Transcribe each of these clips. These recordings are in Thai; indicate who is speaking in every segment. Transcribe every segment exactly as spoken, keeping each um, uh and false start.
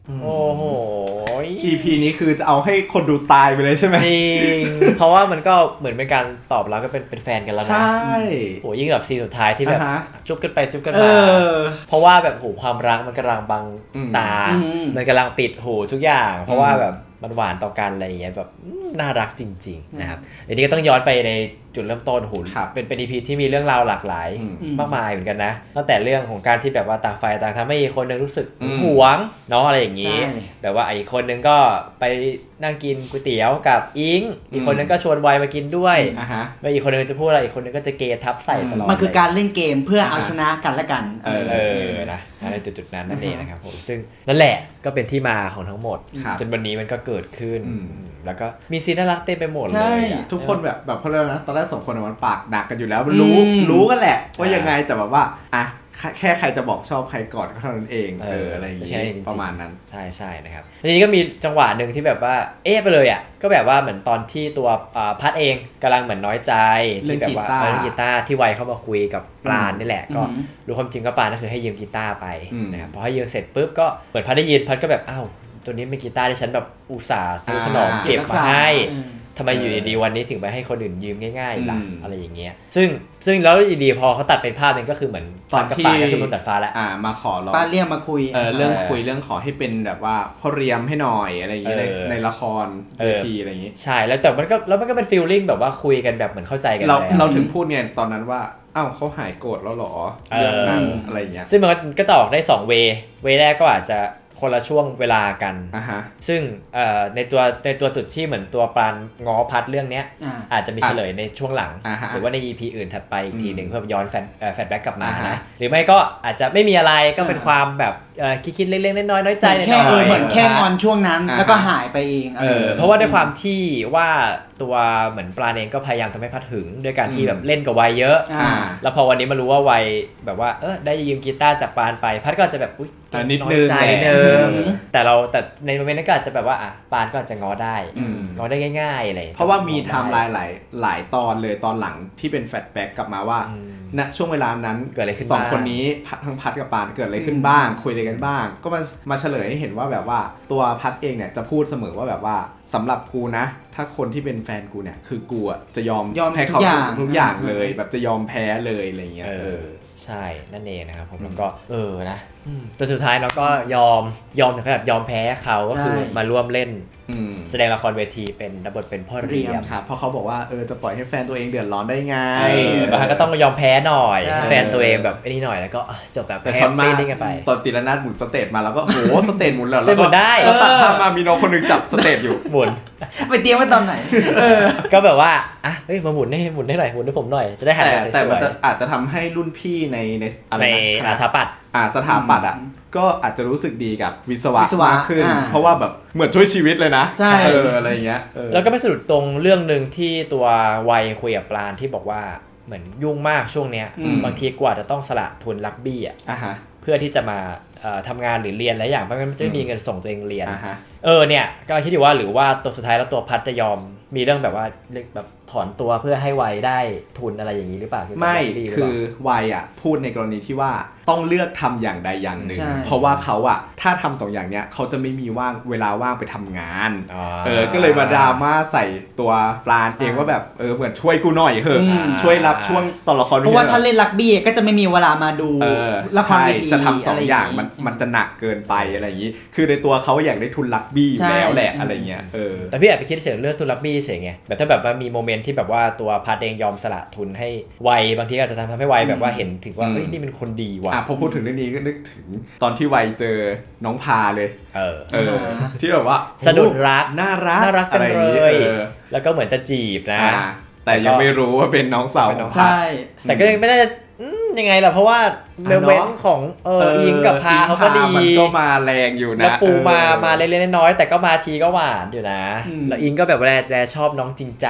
Speaker 1: โอ้โห
Speaker 2: อี พี นี้คือจะเอาให้คนดูตายไปเลยใช่ไหม
Speaker 1: จริงเพราะว่ามันก็เหมือนเป็นการตอบรับก็เป็นเป็นแฟนกันแล้วนะ
Speaker 2: ใช่
Speaker 1: โหยิ่งแบบซีนสุดท้ายที่แบบจุ๊บกันไปจุ๊บกันมาเพราะว่าแบบโหความรักมันกำลังบังตามันกำลังปิดหูทุกอย่างเพราะว่าแบบมันหวานต่อกันอะไรอย่างเงี้ยแบบน่ารักจริงๆนะครับอันนี้ก็ต้องย้อนไปในจุดเริ่มต้นหูเป็นเป็น อี พี ที่มีเรื่องราวหลากหลายมากมายเหมือนกันนะตั้งแต่เรื่องของการที่แบบว่าต่างฝ่ายต่างทำให้อีกคนนึงรู้สึกหวงเนาะอะไรอย่างงี้แบบว่าอีกคนนึงก็ไปนั่งกินก๋วยเตี๋ยวกับอิงอีกคนนึงก็ชวนไวมากินด้วยไม่อีกคนนึงจะพูดอะไรอีกคนนึงก็จะเกทับใส่ตลอด
Speaker 3: มันคือการเล่นเกมเพื่อเอาชนะกันและกัน
Speaker 1: เออนะในจุดๆนั้นนั่นเองนะครับผมซึ่งนั่นแหละก็เป็นที่มาของทั้งหมดจนวันนี้มันก็เกิดขึ้นแล้วก็มีซีนน่ารักเต็มไปหมดเลย
Speaker 2: ทุกคนแบบแบบเขาเรียกนะตอนแรกสองคนมันปากดักกันอยู่แล้วมันรู้รู้กันแหละว่ายังไงแต่แบบว่าอ่ะแค่ใครจะบอกชอบใครก่อนก็เท่านั้นเองเอออะไรอย่างงี้ประมาณนั้น
Speaker 1: ใช่ใช่นะครับทีนี้ก็มีจังหวะหนึ่งที่แบบว่าเอ๊ะไปเลยอ่ะก็แบบว่าเหมือนตอนที่ตัวพัดเองกำลังเหมือนน้อยใจที่แบบว่าเล่นกีตาร์ที่ไวเข้ามาคุยกับปราณนี่แหละก็รู้ความจริงก็ปราณก็คือให้ยืมกีตาร์ไปนะครับพอให้ยืมเสร็จปุ๊บก็เหมือนพัดได้ยินพัดก็แบบอ้าวตัวนี้เป็นกีตาร์ที่ฉันแบบอุตส่าห์ซื้อขนมเก็บมาให้ทำไมอยู่ดีๆวันนี้ถึงไปให้คนอื่นยืมง่ายๆล่ะอะไรอย่างเงี้ยซึ่งซึ่งแล้วดีๆพอเขาตัดเป็นภาพนึงก็คือเหมือน
Speaker 2: ตอนที่
Speaker 1: ก็คือมันตัดฟ้าแล้ว
Speaker 2: อ่ามาขอร้อง
Speaker 3: ป้าเรียกมาคุย
Speaker 2: เออเรื่องคุยเรื่องขอให้เป็นแบบว่าพ่อเรียมให้หน่อยอะไรอย่างเงี้ยในละครเวทีอะไรอย่างงี้
Speaker 1: ใช่แล้วแต่มันก็แล้วมันก็เป็นฟีลลิ่งแบบว่าคุยกันแบบเหมือนเข้าใจกัน
Speaker 2: เราเราถึงพูดเนี่ยตอนนั้นว่าอ้าวเขาหายโกรธแล้วหรอเรื่องนั้นอะไรอย่างเงี้ย
Speaker 1: ซึ่งมันก็จะออกได้สองเวเวแรกก็อาจจะคนละช่วงเวลากัน
Speaker 2: uh-huh.
Speaker 1: ซึ่งในตัวในตัวจุดที่เหมือนตัวปราณง้อพัดเรื่องนี้
Speaker 3: uh-huh.
Speaker 1: อาจจะมีเฉลยในช่วงหลัง
Speaker 2: uh-huh.
Speaker 1: หรือว่าใน อี พี อื่นถัดไปอีกทีหนึ่งเพื่อย้อนแฟนแฟลชแบ็กกลับมา uh-huh. นะหรือไม่ก็อาจจะไม่มีอะไรก็เป็น uh-huh. ความแบบคิดๆเล็กๆน้อยๆน้อยใจ
Speaker 3: ในแค่เออเหมือนแค่งอนช่วงนั้น uh-huh. แล้วก็หายไปเอง
Speaker 1: เออเพราะว่าด้วยความที่ว่าตัวเหมือนปราณเองก็พยายามทำให้พัดหึงด้วยการที่แบบเล่นกับวัยเยอะแล้วพอวันนี้มารู้ว่าวัยแบบว่าเออได้ยืมกีตาร์จากปราณไปพัดก็จะแบบอุ๊ย
Speaker 2: นิดนึง
Speaker 1: นิดนึงแต่เราแต่ในโมเมนต์นั้นก็อาจจะแบบว่าอ่ะปราณก็อาจจะง้อได้ง้อได้ง่ายๆอะไร
Speaker 2: เพราะว่ามีไทม์ไลน์หลายหลายตอนเลยตอนหลังที่เป็นแฟลชแบ็กกลับมาว่าณช่วงเวลานั้น
Speaker 1: เกิดอะไรขึ้น
Speaker 2: สองคนนี้ทั้งพัดกับปราณเกิดอะไรขึ้นบ้างคุยอะไรกันบ้างก็มามาเฉลยให้เห็นว่าแบบว่าตัวพัดเองเนี่ยจะพูดเสมอว่าแบบว่าสำหรับกูนะถ้าคนที่เป็นแฟนกูเนี่ยคือกูอ่ะจะยอมให้เขาทุกอย่างเลยแบบจะยอมแพ้เลยอะไรเงี้ย
Speaker 1: เออใช่นั่นเองนะครับผมแล้วก็เออนะจนสุดท้ายเราก็ยอมยอมถึงขนาดยอมแพ้เขาก็คือมาร่วมเล่นแสดงละครเวทีเป็นรับบทเป็นพ่อเรียม
Speaker 2: ครับเพราะเขาบอกว่าเออจะปล่อยให้แฟนตัวเองเดือดร้อนได้ไง
Speaker 1: บางครั้งก็ต้องยอมแพ้หน่อยแฟนตัวเองแบบไอ้นี่หน่อยแล้วก็จบแบบ
Speaker 2: แฮปปี้กันไปตอนตีละนาดหมุนสเตจมาแล้วก็โอ้สเตจหมุนแล้วแล้วก็แล้วตัดภาพมามีน้องคนนึงจับสเตจอยู่
Speaker 1: หมุน
Speaker 3: ไปเตรียมไว้ตอนไหน
Speaker 1: ก็แบบว่าอ่ะเฮ้ยมาหมุนให้หมุนให้หน่อยหมุนให้ผมหน่อยจะได้หัน
Speaker 2: แต่แต่มันจะอาจจะทำให้รุ่นพี่ในใน
Speaker 1: อะไรนะสถาปัตย์
Speaker 2: อ่าสถาปัตย์อ่ะก็อาจจะรู้สึกดีกับวิศวะมากขึ้นเพราะว่าแบบเหมือนช่วยชีวิตเลยนะเอออะไรเงี้ย
Speaker 1: แล้วก็ไปสะดุดตรงเรื่องนึงที่ตัววัยคุยกับปราณที่บอกว่าเหมือนยุ่งมากช่วงเนี้ยบางทีกว่าจะต้องสละทุนรักบี้อ่ะเพื่อที่จะมาทำงานหรือเรียนอะไรอย่างเพราะงั้นมันจะไม่มีเงินส่งตัวเองเรียนเออเนี่ยก็คิดอยู่ว่าหรือว่าตัวสุดท้ายแล้วตัวพัดจะยอมมีเรื่องแบบว่าแบบถอนตัวเพื่อให้วัยได้ทุนอะไรอย่างนี้หรือเปล่า
Speaker 2: ไม่คือวัยอ่ะพูดในกรณีที่ว่าต้องเลือกทำอย่างใดอย่างหนึ่งเพราะว่าเขาอ่ะถ้าทำสองอย่างเนี้ยเขาจะไม่มีว่างเวลาว่างไปทำงานเออก็เลยมาดราม่าใส่ตัวปราณเองว่าแบบเออเหมือนช่วยกูหน่อยเถอะช่วยรับช่วงตอนละคร
Speaker 3: เพราะว่าถ้าเล่นรักบี้ก็จะไม่มีเวลามาดูละครเวที
Speaker 2: จะทำสองอย่างมันมันจะหนักเกินไปอะไรอย่างนี้คือในตัวเขาอยากได้ทุนรักบี้อยู่แล้วแหละอะไรเงี้ยเออ
Speaker 1: แต่พี่แอบไปคิดเฉยเรื่องทุนรักบี้เฉยไงแบบถ้าแบบว่ามีโมเมนต์ที่แบบว่าตัวพัดเองยอมสละทุนให้วัยบางทีอาจจะทำให้วัยแบบว่าเห็นถึงว่าเฮ้ยนี่เป็นคนดีว่ะ
Speaker 2: พอพูดถึงเรื่องนี้ก็นึกถึงตอนที่วัยเจอน้องพาเลย
Speaker 1: เออ
Speaker 2: เออที่แบบว่า
Speaker 1: สะดุดรัก
Speaker 2: น่ารัก
Speaker 1: น่ารักจังเลยแล้วก็เหมือนจะจีบนะ
Speaker 2: แต่ยังไม่รู้ว่าเป็นน้องสาวของพัด
Speaker 1: แต่ก็ยังไม่ได้ยังไงล่ะเพราะว่าเมเว้นของเอออิงกับพาเขาก็ดี
Speaker 2: มันก็มาแรงอยู่นะ
Speaker 1: แล้วปูมามาเล็กๆน้อยๆแต่ก็มาทีก็หวานอยู่นะแล้วอิงก็แบบแลแลชอบน้องจริงจัง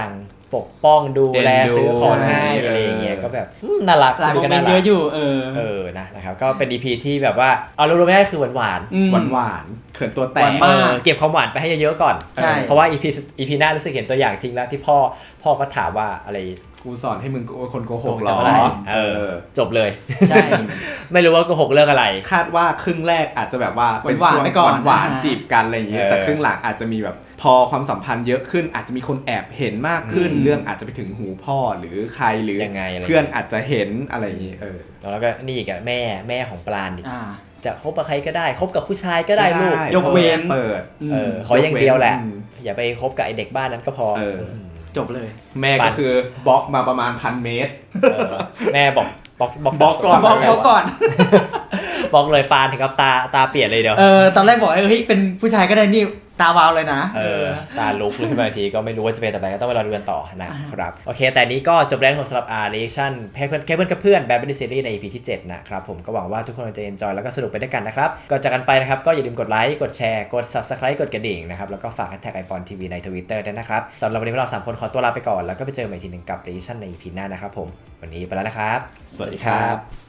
Speaker 1: ปกป้องดูแลซื้อของให้อะไรอย่างเงี้ยก็แบบน่ารัก
Speaker 3: หลายโมเมนต์เยอะอยู่เออ
Speaker 1: เออนะนะครับก็เป็น อี พี ที่แบบว่าเอารวมๆไม่ได้คือหวานหวาน
Speaker 2: หวานหวานเขินตัวแตก
Speaker 1: เก็บความหวานไปให้เยอะๆก่อนเพราะว่า อี พี อี พี หน้ารู้สึกเห็นตัวอย่างทิ้งแล้วที่พ่อพ่อก็ถามว่าอะไร
Speaker 2: กูสอนให้มึงคนโกหกหรอ
Speaker 1: เออจบเลยใช่ไม่รู้ว่าโกหกเรื่องอะไร
Speaker 2: คาดว่าครึ่งแรกอาจจะแบบว่าเป็นช่วงหวานจีบกันอะไรอย่างเงี้ยแต่ครึ่งหลังอาจจะมีแบบพอความสัมพันธ์เยอะขึ้นอาจจะมีคนแอบเห็นมากขึ้นเรื่องอาจจะไปถึงหูพ่อหรือใครหรือเพื่อนอาจจะเห็นอะไรอย่างงี้เออ
Speaker 1: แล้วก็นี่อีกแม่แม่ของปราณดิจะคบกับใครก็ได้คบกับผู้ชายก็ได้ลูก
Speaker 2: ยกเว้นเปิด
Speaker 1: เออขออย่างเดียวแหละอย่าไปคบกับไอเด็กบ้านนั้นก็พอ
Speaker 3: จบเลย
Speaker 2: แม่ก็คือบล็อกมาประมาณพันเมตร
Speaker 1: แม่บอกบล็อก
Speaker 2: บล็อกบล็อกก่อน
Speaker 3: บล็อกก่อน
Speaker 1: บล็อกเลยปานถึงกับตาตาเปลี่ยนเลยเดี๋ยว
Speaker 3: เออตอนแรกบอกเฮ้ยเป็นผู้ชายก็ได้นี่ตาวาวเลยนะ
Speaker 1: เออตาลุกขึ้นมาทีก็ไม่รู้ว่าจะเป็นต่อไปก็ต้องไปรอดูกันต่อนะครับโอเคแต่นี้ก็จบแล้วของสำหรับ อาร์ Reaction แค่เพื่อนแค่เพื่อนกับเพื่อนแบบเป็นซีรีส์ใน อี พี ที่เจ็ดนะครับผมก็หวังว่าทุกคนจะ enjoy แล้วก็สนุกไปด้วยกันนะครับก่อนจากกันไปนะครับก็อย่าลืมกดไลค์กดแชร์กด Subscribe กดกระดิ่งนะครับแล้วก็ฝาก แฮชแท็ก ไอ พี โอ เอ็น ที วี ใน Twitter ด้วยนะครับสำหรับวันนี้เราสามคนขอตัวลาไปก่อนแล้วก็ไปเจอกันใหม่ทีนึงกับ Reaction ใน อี พี หน้านะครับผมวันนี้ไปแล้วนะครับ
Speaker 2: สวัสดีครับ